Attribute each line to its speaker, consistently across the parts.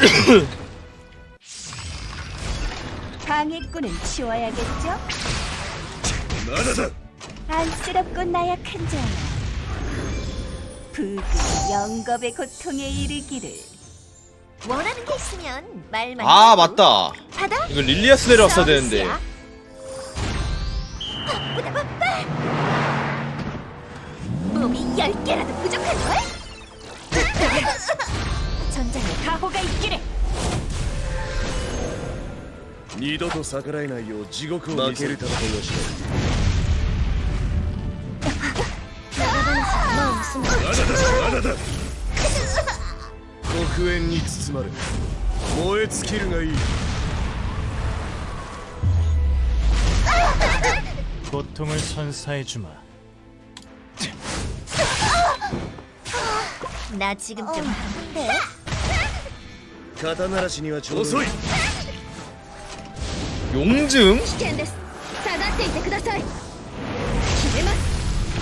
Speaker 1: 방해꾼은 치워야겠죠?
Speaker 2: 나나다.
Speaker 1: 안쓰럽고 나약한 자야. 부디 영겁의 고통에 이르기를.
Speaker 3: 원하는 게 있으면 말만
Speaker 4: 아
Speaker 3: 해도.
Speaker 4: 맞다.
Speaker 3: 받아.
Speaker 4: 이거 릴리아스 내려왔어야 되는데.
Speaker 3: 서비스야. 바쁘다 바빠. 몸이 10개라도 부족한걸?
Speaker 1: 전장에 가호가 있기를.
Speaker 2: 二度と逆らえないよう地獄を見せる戦いをしろ。 ナナだ。黒煙に包まれ燃え尽きるがいい。
Speaker 5: 고통을 선사해주마.
Speaker 3: 나 지금 좀 바쁜데.
Speaker 2: 肩慣らしにはちょうどいい。
Speaker 4: 용증?
Speaker 3: 危険です。下がっていてください。切れます。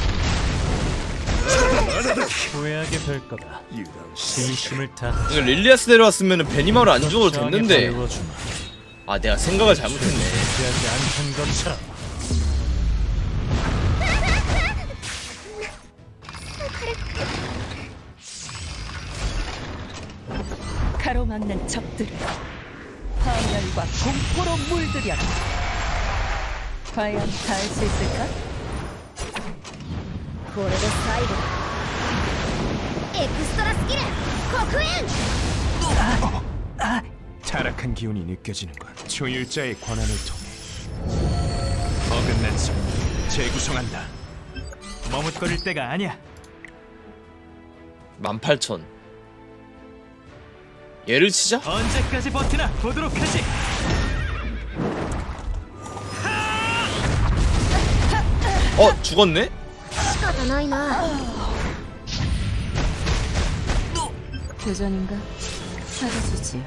Speaker 5: 후회하게 될 거다.
Speaker 2: 油断し
Speaker 5: 진심을 다
Speaker 4: 이거 릴리아스 내려왔으면 베니마루 안 죽어도 됐는데.
Speaker 5: 배워주마.
Speaker 4: 아 내가 생각을 잘못했네.
Speaker 5: 하지 않던 것처럼.
Speaker 1: 가로막는 적들을 파멸과 공포로 물들여라. 과연 닿을 수 있을까?
Speaker 3: これで最後だ。エクストラスキル黒煙。
Speaker 6: 타락한 기운이 느껴지는 건 초율자의 권한을 통해 어긋난 성 재구성한다.
Speaker 5: 머뭇거릴 때가 아니야.
Speaker 4: 18,000. 얘를 치자?
Speaker 5: 언제까지 버티나 보도록 하지.
Speaker 4: 죽었네?
Speaker 3: 仕方ないな。
Speaker 1: 교전인가? 사라지지.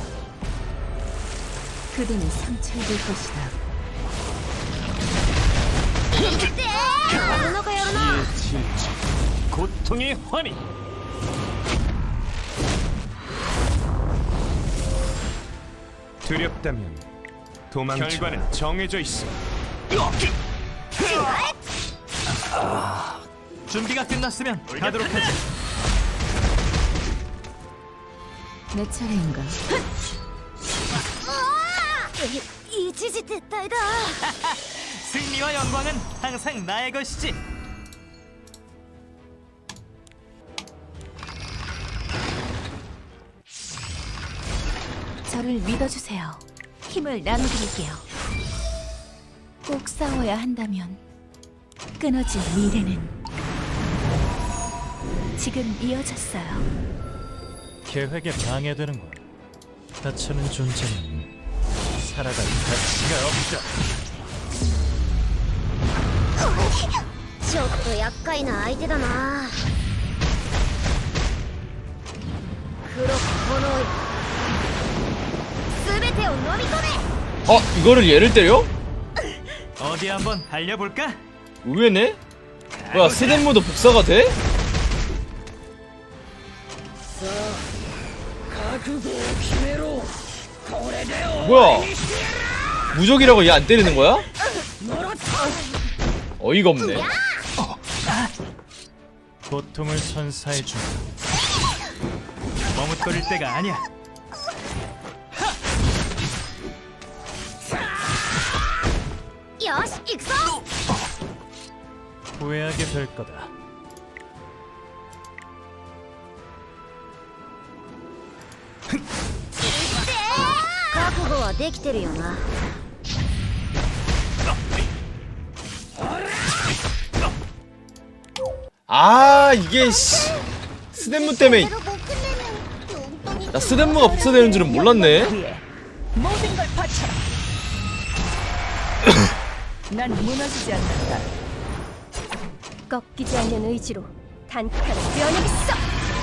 Speaker 1: 그대는 상처입을 것이다.
Speaker 3: やるのかやるな。
Speaker 5: 고통의 환희.
Speaker 6: 두렵다면 도망쳐. 결과는 정해져 있어.
Speaker 5: 준비가 끝났으면 가도록 하지.
Speaker 1: 내 차례인가?
Speaker 3: 一時撤退だ。
Speaker 5: 승리와 영광은 항상 나의 것이지.
Speaker 1: 저를 믿어주세요. 힘을 나눠드릴게요. 꼭 싸워야 한다면 끊어진 미래는 지금 이어졌어요.
Speaker 5: 계획에 방해되는 건 다치는 존재는 살아갈 가치가 없다.
Speaker 3: ちょっと厄介な相手だな。黒く炎い。全てを飲み込め。
Speaker 4: 이거를 얘를 때려?
Speaker 5: 어디 한번 달려볼까?
Speaker 4: 의외네? 뭐야 스덴모도 복사가 돼? 뭐야 무적이라고 얘 안 때리는 거야? 어이가 없네.
Speaker 5: 고통을 선사해주마. 머뭇거릴 때가 아니야.
Speaker 3: よし行くぞ。
Speaker 5: 후회하게 될 거다.
Speaker 3: 覚悟はできてるよな。
Speaker 4: 아 이게 씨 스덴무 때문에 나 스덴무가 복사되는 줄은 몰랐네.
Speaker 1: 위해 모든 걸 바쳐라. 난 무너지지 않는다. 꺾이지 않는 의지로 단칼에 면역있어.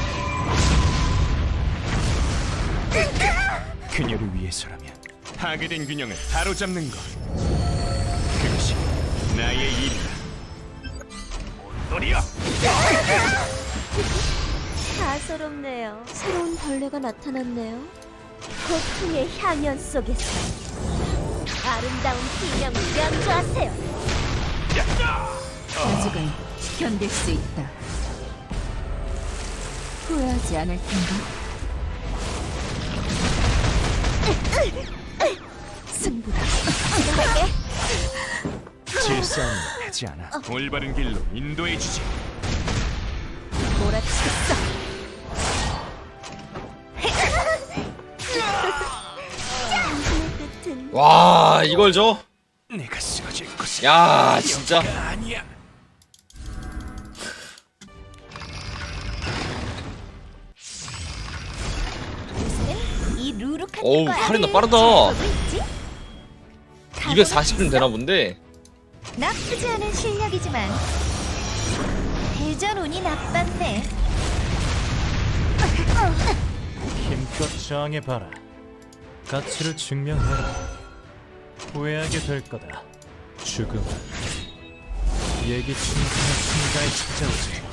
Speaker 6: 그녀를 위해서라면 파괴된 균형을 바로잡는 것. 그것이 나의 일이다. 온돌이여!
Speaker 3: 다소롭네요. 새로운 벌레가 나타났네요. 고통의 향연 속에서 아름다운 비명을 연주하세요.
Speaker 1: 아직은 견딜 수 있다. 후회하지 않을 텐가? 승부다.
Speaker 3: 진행할게.
Speaker 6: 질싸움은 하지 않아. 올바른 길로 인도해 주지.
Speaker 1: 몰아치겠어.
Speaker 3: 당신의 끝은
Speaker 4: 와 이걸 줘?
Speaker 6: 내가 쓰러질 곳은
Speaker 4: 야 진짜
Speaker 6: 아니야.
Speaker 3: 요새는 이 루룩한
Speaker 4: 어우,
Speaker 3: 거야.
Speaker 4: 카린나 빠르다.
Speaker 3: 지켜보고 있지?
Speaker 4: 240은 되나 본데.
Speaker 3: 나쁘지 않은 실력이지만 대전 운이 나빴네.
Speaker 5: 힘껏 저항해봐라. 가치를 증명해라. 후회하게 될 거다. 죽음은 예기치 못한 순간에 찾아오지.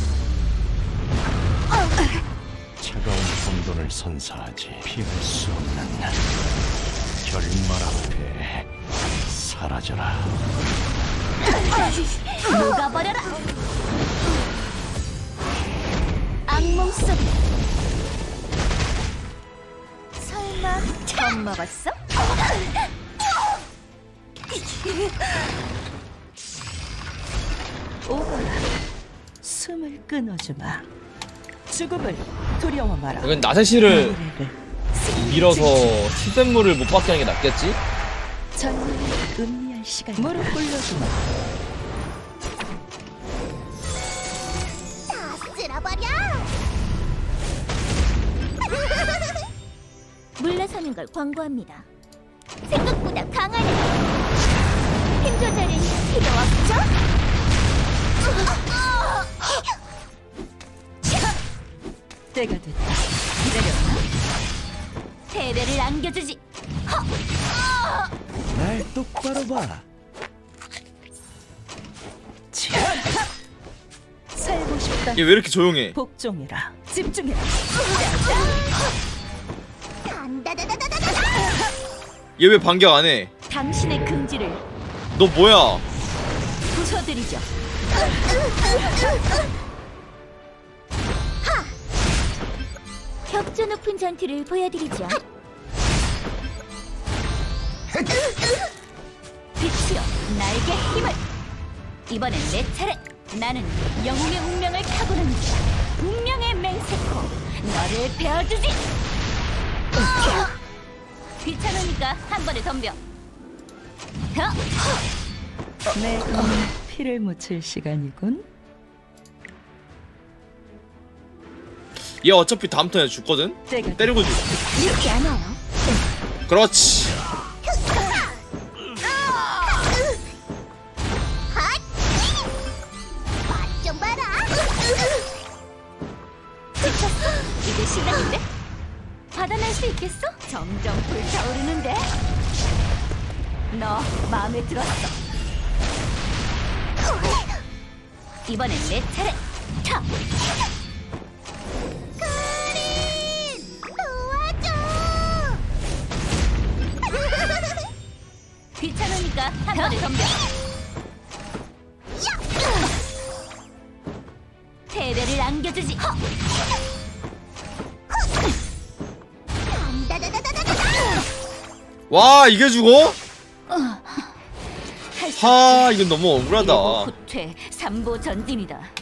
Speaker 7: 차가운 혼돈을 선사하지 피할 수 없는 결말 앞에 사라져라.
Speaker 3: 녹아버려라. 악몽 속에 설마 겁먹었어?
Speaker 1: 오거라. 숨을 끊어주마. 죽음을 두려워 마라.
Speaker 4: 이건 나세시를
Speaker 1: 미래를
Speaker 4: 밀어서 수돗물을 못 받게 하는 게 낫겠지?
Speaker 1: 전문을 음미할 시간. 무릎 꿇려주마.
Speaker 3: 다 쓸어버려. 물러서는 걸 권고합니다. 생각보다 강하네. 힘 조절은 필요 없죠?
Speaker 1: 때가 됐다. 기다렸나?
Speaker 3: 대대를 안겨주지.
Speaker 7: 날 똑바로 봐.
Speaker 1: 살고 싶다.
Speaker 4: 얘 왜 이렇게 조용해?
Speaker 1: 복종해라. 집중해라.
Speaker 3: 단다다다다다다.
Speaker 4: 얘 왜 반격 안 해?
Speaker 1: 당신의 긍지를
Speaker 4: 너 뭐야?
Speaker 1: 부숴드리죠.
Speaker 3: 격조 높은 전투를 보여드리죠.
Speaker 1: 빛이여, 나에게 힘을. 이번엔 내 차례. 나는 영웅의 운명을 타고난 자. 운명의 맹세코. 너를 베어주지. 귀찮으니까 한 번에 덤벼. 내 검은 피를 묻힐 시간이군.
Speaker 4: 얘 어차피 다음 턴에 죽거든? 때리고 죽.
Speaker 3: 이렇게 안 와요.
Speaker 4: 그렇지.
Speaker 3: 맛 좀 봐라.
Speaker 1: 이제 시작인데? 받아낼 수 있겠어? 점점 불타오르는데? 너 마음에 들었어. 이번엔 내 차례. 차!
Speaker 3: 도와줘.
Speaker 1: 귀찮으니까 한 번에 덤벼. 대대를 안겨주지.
Speaker 4: 와 이게 죽어?
Speaker 1: 할수
Speaker 4: 하 이건 너무
Speaker 1: 이러고
Speaker 4: 억울하다.
Speaker 1: 후퇴 3보 전진이다.